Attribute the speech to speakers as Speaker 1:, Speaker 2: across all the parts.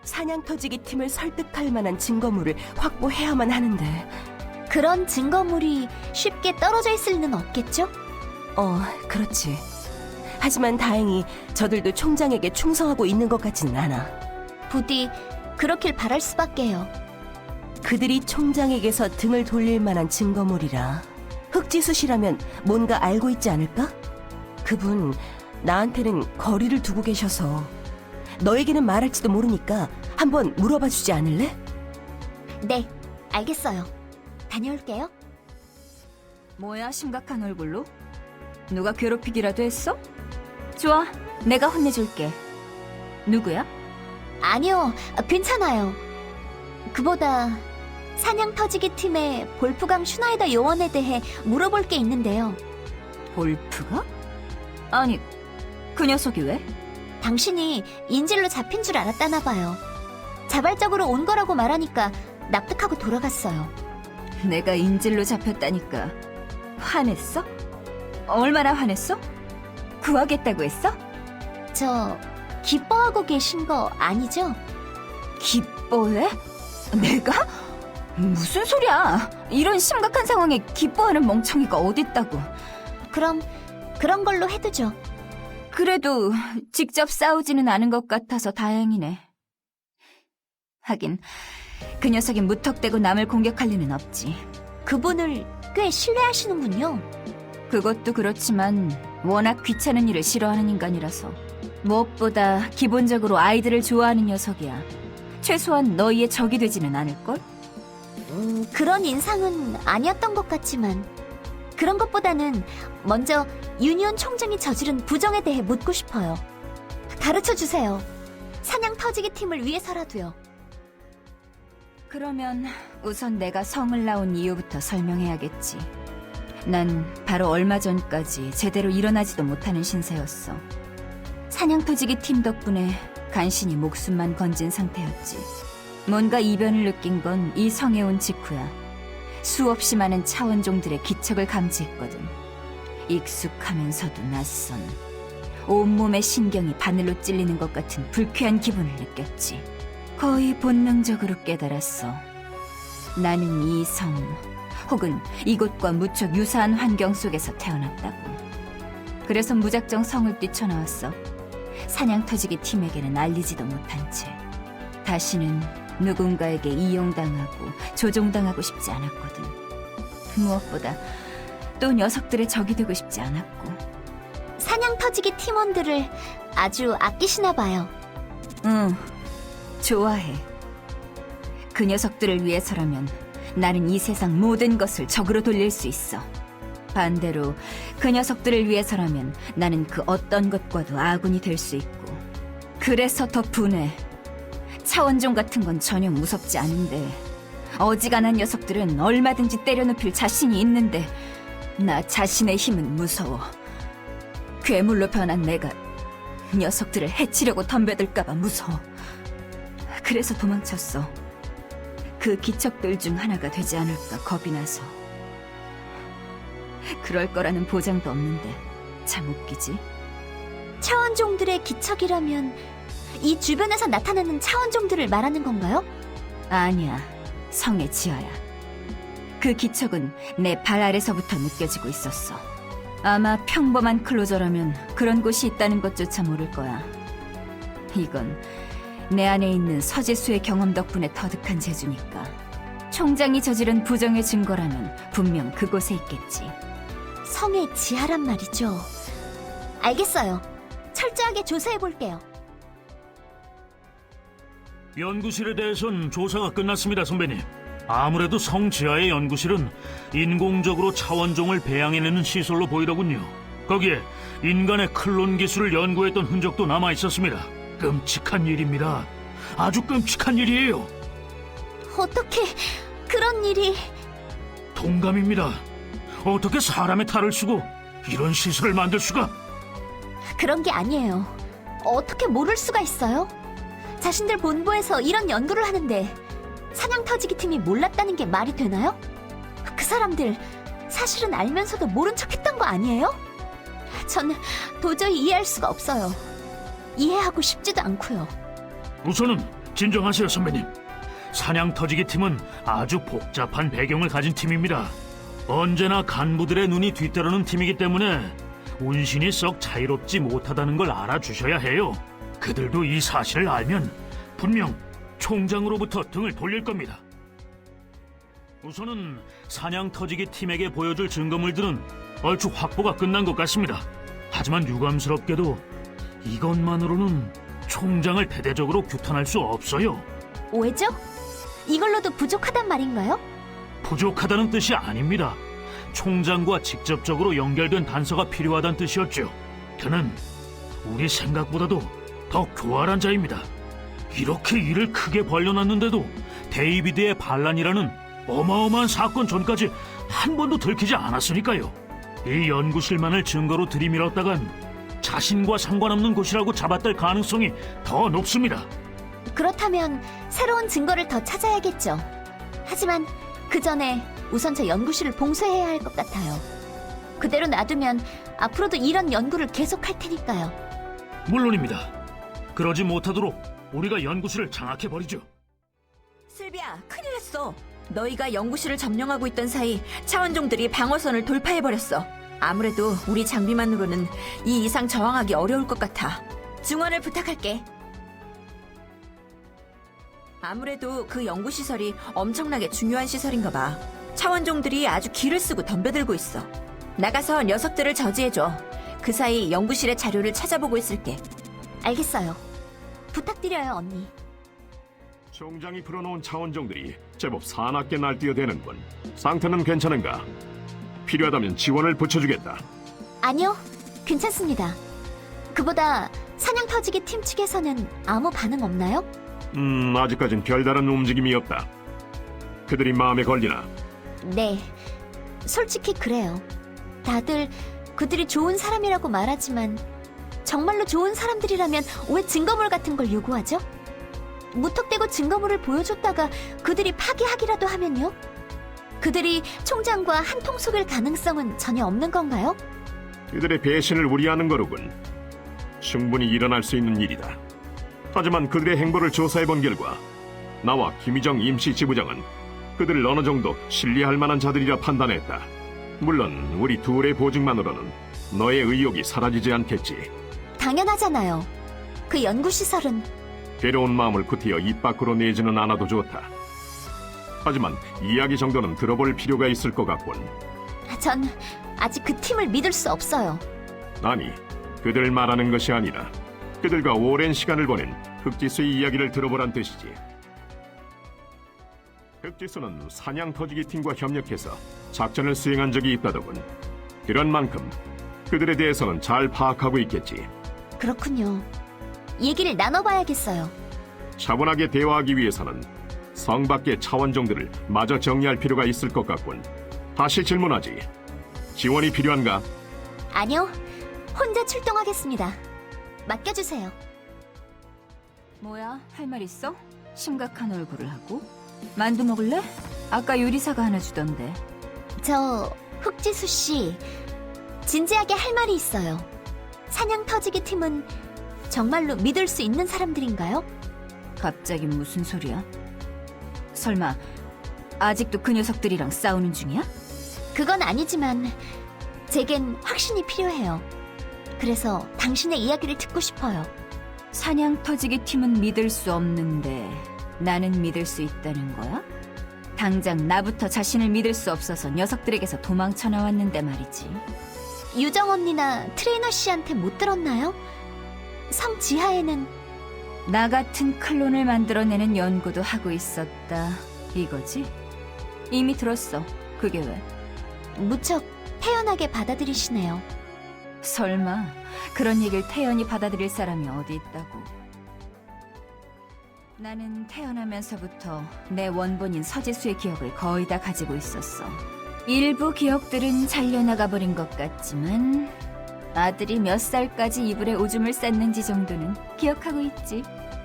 Speaker 1: 사냥터지기 팀을 설득할 만한 증거물을 확보해야만 하는데.
Speaker 2: 그런 증거물이 쉽게 떨어져 있을 리는 없겠죠?
Speaker 1: 그렇지. 하지만 다행히 저들도 총장에게 충성하고 있는 것 같지는 않아.
Speaker 2: 부디 그렇길 바랄 수밖에요.
Speaker 1: 그들이 총장에게서 등을 돌릴 만한 증거물이라. 흑지수 씨라면 뭔가 알고 있지 않을까? 그분 나한테는 거리를 두고 계셔서 너에게는 말할지도 모르니까 한번 물어봐 주지 않을래?
Speaker 2: 네, 알겠어요. 다녀올게요.
Speaker 3: 뭐야, 심각한 얼굴로? 누가 괴롭히기라도 했어? 좋아, 내가 혼내줄게. 누구야?
Speaker 2: 아니요, 괜찮아요. 그보다 사냥터지기 팀의 볼프강 슈나이더 요원에 대해 물어볼 게 있는데요.
Speaker 3: 볼프가? 아니, 그 녀석이 왜?
Speaker 2: 당신이 인질로 잡힌 줄 알았다나 봐요. 자발적으로 온 거라고 말하니까 납득하고 돌아갔어요.
Speaker 3: 내가 인질로 잡혔다니까 화냈어? 얼마나 화냈어? 구하겠다고 했어?
Speaker 2: 저 기뻐하고 계신 거 아니죠?
Speaker 3: 기뻐해? 내가? 무슨 소리야? 이런 심각한 상황에 기뻐하는 멍청이가 어딨다고.
Speaker 2: 그럼 그런 걸로 해두죠.
Speaker 3: 그래도 직접 싸우지는 않은 것 같아서 다행이네. 하긴 그 녀석이 무턱대고 남을 공격할 리는 없지.
Speaker 2: 그분을 꽤 신뢰하시는군요.
Speaker 3: 그것도 그렇지만 워낙 귀찮은 일을 싫어하는 인간이라서. 무엇보다 기본적으로 아이들을 좋아하는 녀석이야. 최소한 너희의 적이 되지는 않을걸?
Speaker 2: 그런 인상은 아니었던 것 같지만 그런 것보다는 먼저 유니온 총장이 저지른 부정에 대해 묻고 싶어요. 가르쳐주세요. 사냥 터지기 팀을 위해서라도요.
Speaker 3: 그러면 우선 내가 성을 나온 이유부터 설명해야겠지. 난 바로 얼마 전까지 제대로 일어나지도 못하는 신세였어. 사냥터지기 팀 덕분에 간신히 목숨만 건진 상태였지. 뭔가 이변을 느낀 건 이 성에 온 직후야. 수없이 많은 차원종들의 기척을 감지했거든. 익숙하면서도 낯선, 온몸의 신경이 바늘로 찔리는 것 같은 불쾌한 기분을 느꼈지. 거의 본능적으로 깨달았어. 나는 이 성, 혹은 이곳과 무척 유사한 환경 속에서 태어났다고. 그래서 무작정 성을 뛰쳐나왔어. 사냥터지기 팀에게는 알리지도 못한 채. 다시는 누군가에게 이용당하고 조종당하고 싶지 않았거든. 무엇보다 또 녀석들의 적이 되고 싶지 않았고.
Speaker 2: 사냥 터지기 팀원들을 아주 아끼시나 봐요.
Speaker 3: 응, 좋아해. 그 녀석들을 위해서라면 나는 이 세상 모든 것을 적으로 돌릴 수 있어. 반대로 그 녀석들을 위해서라면 나는 그 어떤 것과도 아군이 될 수 있고. 그래서 더 분해. 차원종 같은 건 전혀 무섭지 않은데 어지간한 녀석들은 얼마든지 때려눕힐 자신이 있는데 나 자신의 힘은 무서워. 괴물로 변한 내가 녀석들을 해치려고 덤벼들까봐 무서워. 그래서 도망쳤어. 그 기척들 중 하나가 되지 않을까 겁이 나서. 그럴 거라는 보장도 없는데 참 웃기지?
Speaker 2: 차원종들의 기척이라면 이 주변에서 나타나는 차원종들을 말하는 건가요?
Speaker 3: 아니야, 성의 지하야. 그 기척은 내 발 아래서부터 느껴지고 있었어. 아마 평범한 클로저라면 그런 곳이 있다는 것조차 모를 거야. 이건 내 안에 있는 서지수의 경험 덕분에 터득한 재주니까. 총장이 저지른 부정의 증거라면 분명 그곳에 있겠지.
Speaker 2: 성의 지하란 말이죠. 알겠어요. 철저하게 조사해볼게요.
Speaker 4: 연구실에 대해선 조사가 끝났습니다, 선배님. 아무래도 성 지하의 연구실은 인공적으로 차원종을 배양해내는 시설로 보이더군요. 거기에 인간의 클론 기술을 연구했던 흔적도 남아있었습니다. 끔찍한 일입니다. 아주 끔찍한 일이에요.
Speaker 2: 어떻게 그런 일이...
Speaker 4: 동감입니다. 어떻게 사람의 탈을 쓰고 이런 시설을 만들 수가?
Speaker 2: 그런 게 아니에요. 어떻게 모를 수가 있어요? 자신들 본부에서 이런 연구를 하는데 사냥 터지기 팀이 몰랐다는 게 말이 되나요? 그 사람들 사실은 알면서도 모른 척 했던 거 아니에요? 전 도저히 이해할 수가 없어요. 이해하고 싶지도 않고요.
Speaker 4: 우선은 진정하세요, 선배님. 사냥 터지기 팀은 아주 복잡한 배경을 가진 팀입니다. 언제나 간부들의 눈이 뒤따르는 팀이기 때문에 운신이 썩 자유롭지 못하다는 걸 알아주셔야 해요. 그들도 이 사실을 알면 분명 총장으로부터 등을 돌릴 겁니다. 우선은 사냥 터지기 팀에게 보여줄 증거물들은 얼추 확보가 끝난 것 같습니다. 하지만 유감스럽게도 이것만으로는 총장을 대대적으로 규탄할 수 없어요.
Speaker 2: 왜죠? 이걸로도 부족하단 말인가요?
Speaker 4: 부족하다는 뜻이 아닙니다. 총장과 직접적으로 연결된 단서가 필요하다는 뜻이었죠. 그는 우리 생각보다도 더 교활한 자입니다. 이렇게 일을 크게 벌려놨는데도 데이비드의 반란이라는 어마어마한 사건 전까지 한 번도 들키지 않았으니까요. 이 연구실만을 증거로 들이밀었다간 자신과 상관없는 곳이라고 잡아떨 가능성이 더 높습니다.
Speaker 2: 그렇다면 새로운 증거를 더 찾아야겠죠. 하지만 그 전에 우선 저 연구실을 봉쇄해야 할 것 같아요. 그대로 놔두면 앞으로도 이런 연구를 계속할 테니까요.
Speaker 4: 물론입니다. 그러지 못하도록 우리가 연구실을 장악해버리죠.
Speaker 3: 슬비야, 큰일 났어. 너희가 연구실을 점령하고 있던 사이 차원종들이 방어선을 돌파해버렸어. 아무래도 우리 장비만으로는 이 이상 저항하기 어려울 것 같아. 증언을 부탁할게. 아무래도 그 연구시설이 엄청나게 중요한 시설인가 봐. 차원종들이 아주 기를 쓰고 덤벼들고 있어. 나가서 녀석들을 저지해줘. 그 사이 연구실의 자료를 찾아보고 있을게.
Speaker 2: 알겠어요. 부탁드려요, 언니.
Speaker 5: 총장이 풀어놓은 차원종들이 제법 사납게 날뛰어대는군. 상태는 괜찮은가? 필요하다면 지원을 붙여주겠다.
Speaker 2: 아니요, 괜찮습니다. 그보다 사냥 터지기 팀 측에서는 아무 반응 없나요?
Speaker 5: 아직까진 별다른 움직임이 없다. 그들이 마음에 걸리나?
Speaker 2: 네, 솔직히 그래요. 다들 그들이 좋은 사람이라고 말하지만 정말로 좋은 사람들이라면 왜 증거물 같은 걸 요구하죠? 무턱대고 증거물을 보여줬다가 그들이 파기하기라도 하면요? 그들이 총장과 한통 속일 가능성은 전혀 없는 건가요?
Speaker 5: 그들의 배신을 우려하는 거로군. 충분히 일어날 수 있는 일이다. 하지만 그들의 행보를 조사해본 결과 나와 김희정 임시지부장은 그들을 어느 정도 신뢰할 만한 자들이라 판단했다. 물론 우리 둘의 보증만으로는 너의 의욕이 사라지지 않겠지.
Speaker 2: 당연하잖아요. 그 연구시설은
Speaker 5: 괴로운 마음을 구태여 입 밖으로 내지는 않아도 좋다. 하지만 이야기 정도는 들어볼 필요가 있을 것 같군.
Speaker 2: 전 아직 그 팀을 믿을 수 없어요.
Speaker 5: 아니, 그들 말하는 것이 아니라 그들과 오랜 시간을 보낸 흑지수의 이야기를 들어보란 뜻이지. 흑지수는 사냥 터지기 팀과 협력해서 작전을 수행한 적이 있다더군. 그런 만큼 그들에 대해서는 잘 파악하고 있겠지.
Speaker 2: 그렇군요. 얘기를 나눠봐야겠어요.
Speaker 5: 차분하게 대화하기 위해서는 성 밖의 차원종들을 마저 정리할 필요가 있을 것 같군. 다시 질문하지. 지원이 필요한가?
Speaker 2: 아니요, 혼자 출동하겠습니다. 맡겨주세요.
Speaker 3: 뭐야, 할 말 있어? 심각한 얼굴을 하고? 만두 먹을래? 아까 요리사가 하나 주던데.
Speaker 2: 저 흑지수 씨, 진지하게 할 말이 있어요. 사냥 터지기 팀은 정말로 믿을 수 있는 사람들인가요?
Speaker 3: 갑자기 무슨 소리야? 설마 아직도 그 녀석들이랑 싸우는 중이야?
Speaker 2: 그건 아니지만 제겐 확신이 필요해요. 그래서 당신의 이야기를 듣고 싶어요.
Speaker 3: 사냥 터지기 팀은 믿을 수 없는데 나는 믿을 수 있다는 거야? 당장 나부터 자신을 믿을 수 없어서 녀석들에게서 도망쳐 나왔는데 말이지.
Speaker 2: 유정 언니나 트레이너 씨한테 못 들었나요? 성 지하에는
Speaker 3: 나 같은 클론을 만들어내는 연구도 하고 있었다 이거지? 이미 들었어. 그게 왜?
Speaker 2: 무척 태연하게 받아들이시네요.
Speaker 3: 설마 그런 얘기를 태연히 받아들일 사람이 어디 있다고. 나는 태어나면서부터 내 원본인 서지수의 기억을 거의 다 가지고 있었어. 일부 기억들은 잘려나가 버린 것 같지만 아들이 몇 살까지 이불에 오줌을 쌌는지 정도는 기억하고 있지.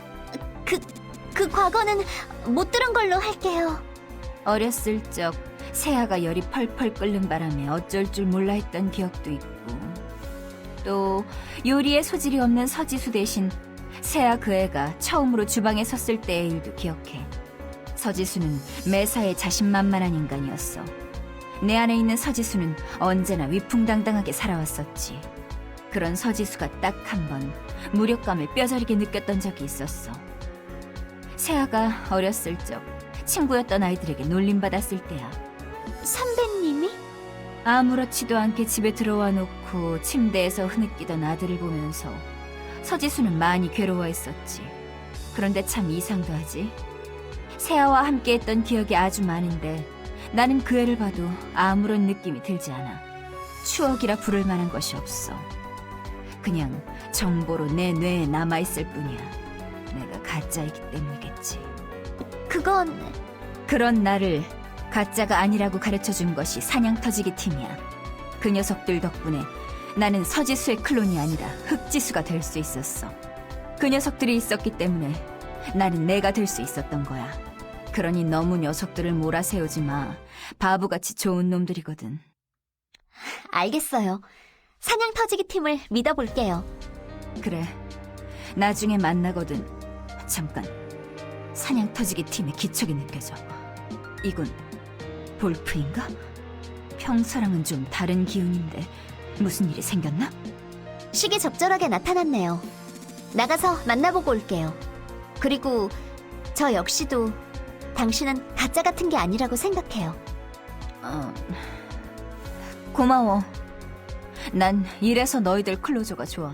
Speaker 2: 그 과거는 못 들은 걸로 할게요.
Speaker 3: 어렸을 적 새아가 열이 펄펄 끓는 바람에 어쩔 줄 몰라 했던 기억도 있고, 또 요리에 소질이 없는 서지수 대신 세아 그 애가 처음으로 주방에 섰을 때의 일도 기억해. 서지수는 매사에 자신만만한 인간이었어. 내 안에 있는 서지수는 언제나 위풍당당하게 살아왔었지. 그런 서지수가 딱 한 번 무력감을 뼈저리게 느꼈던 적이 있었어. 세아가 어렸을 적 친구였던 아이들에게 놀림받았을 때야.
Speaker 2: 선배님이?
Speaker 3: 아무렇지도 않게 집에 들어와 놓고 침대에서 흐느끼던 아들을 보면서 서지수는 많이 괴로워했었지. 그런데 참 이상도 하지. 세아와 함께했던 기억이 아주 많은데 나는 그 애를 봐도 아무런 느낌이 들지 않아. 추억이라 부를 만한 것이 없어. 그냥 정보로 내 뇌에 남아있을 뿐이야. 내가 가짜이기 때문이겠지. 그런 나를 가짜가 아니라고 가르쳐준 것이 사냥터지기 팀이야. 그 녀석들 덕분에 나는 서지수의 클론이 아니라 흑지수가 될 수 있었어. 그 녀석들이 있었기 때문에 나는 내가 될 수 있었던 거야. 그러니 너무 녀석들을 몰아세우지 마. 바보같이 좋은 놈들이거든.
Speaker 2: 알겠어요. 사냥터지기 팀을 믿어볼게요.
Speaker 3: 그래, 나중에 만나거든. 잠깐, 사냥터지기 팀의 기척이 느껴져. 이건 볼프인가? 평소랑은 좀 다른 기운인데 무슨 일이 생겼나?
Speaker 2: 시기 적절하게 나타났네요. 나가서 만나보고 올게요. 그리고 저 역시도 당신은 가짜 같은 게 아니라고 생각해요.
Speaker 3: 고마워. 난 이래서 너희들 클로저가 좋아.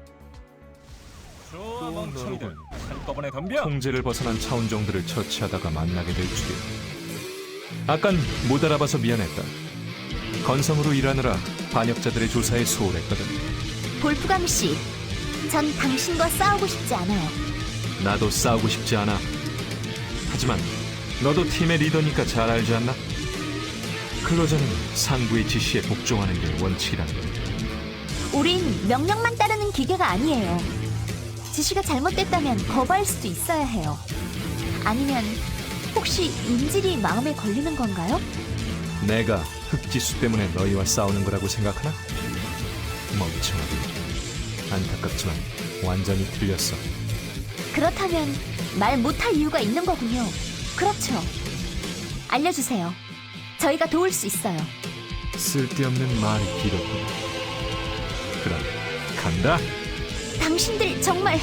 Speaker 6: 또 너로군. 한꺼번에 덤벼. 통제를 벗어난 차원종들을 처치하다가 만나게 될 줄이야. 아깐 못 알아봐서 미안했다. 건성으로 일하느라 반역자들의 조사에 소홀했거든.
Speaker 2: 볼프감 씨, 전 당신과 싸우고 싶지 않아요.
Speaker 6: 나도 싸우고 싶지 않아. 하지만 너도 팀의 리더니까 잘 알지 않나? 클로저는 상부의 지시에 복종하는 게 원칙이란다.
Speaker 2: 우린 명령만 따르는 기계가 아니에요. 지시가 잘못됐다면 거부할 수도 있어야 해요. 아니면 혹시 인질이 마음에 걸리는 건가요?
Speaker 6: 내가 흑지수 때문에 너희와 싸우는 거라고 생각하나? 멍청하게. 안타깝지만 완전히 틀렸어.
Speaker 2: 그렇다면 말 못할 이유가 있는 거군요. 그렇죠. 알려주세요. 저희가 도울 수 있어요.
Speaker 6: 쓸데없는 말이 길었군. 그럼 간다.
Speaker 2: 당신들 정말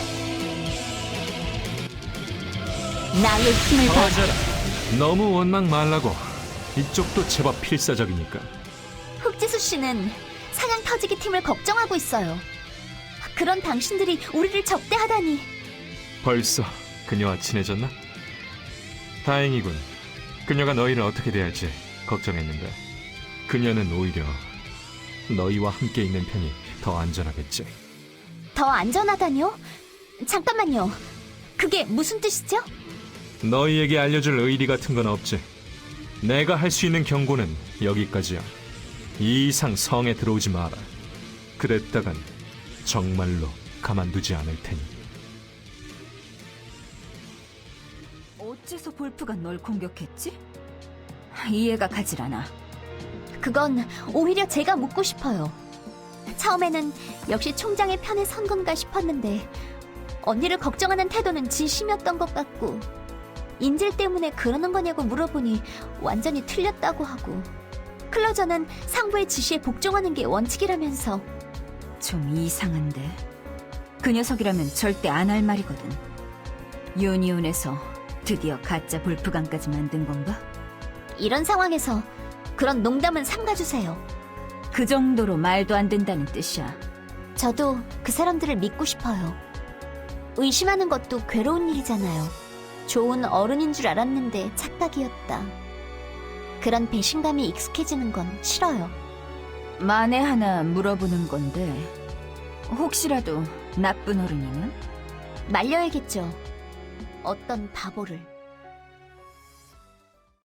Speaker 2: 나의 힘을 봐.
Speaker 6: 터져라. 너무 원망 말라고. 이쪽도 제법 필사적이니까.
Speaker 2: 흑지수 씨는 사냥 터지기 팀을 걱정하고 있어요. 그런 당신들이 우리를 적대하다니.
Speaker 6: 벌써 그녀와 친해졌나? 다행이군. 그녀가 너희를 어떻게 대할지 걱정했는데 그녀는 오히려 너희와 함께 있는 편이 더 안전하겠지.
Speaker 2: 더 안전하다뇨? 잠깐만요. 그게 무슨 뜻이죠?
Speaker 6: 너희에게 알려줄 의리 같은 건 없지. 내가 할 수 있는 경고는 여기까지야. 이 이상 성에 들어오지 마라. 그랬다간 정말로 가만두지 않을 테니.
Speaker 3: 어째서 볼프가 널 공격했지? 이해가 가질 않아.
Speaker 2: 그건 오히려 제가 묻고 싶어요. 처음에는 역시 총장의 편에 선 건가 싶었는데 언니를 걱정하는 태도는 진심이었던 것 같고 인질 때문에 그러는 거냐고 물어보니 완전히 틀렸다고 하고 클로저는 상부의 지시에 복종하는 게 원칙이라면서.
Speaker 3: 좀 이상한데. 그 녀석이라면 절대 안 할 말이거든. 유니온에서 드디어 가짜 볼프감까지 만든 건가?
Speaker 2: 이런 상황에서 그런 농담은 삼가주세요.
Speaker 3: 그 정도로 말도 안 된다는 뜻이야.
Speaker 2: 저도 그 사람들을 믿고 싶어요. 의심하는 것도 괴로운 일이잖아요. 좋은 어른인 줄 알았는데 착각이었다. 그런 배신감이 익숙해지는 건 싫어요.
Speaker 3: 만에 하나 물어보는 건데 혹시라도 나쁜 어른이면?
Speaker 2: 말려야겠죠. 어떤 바보를.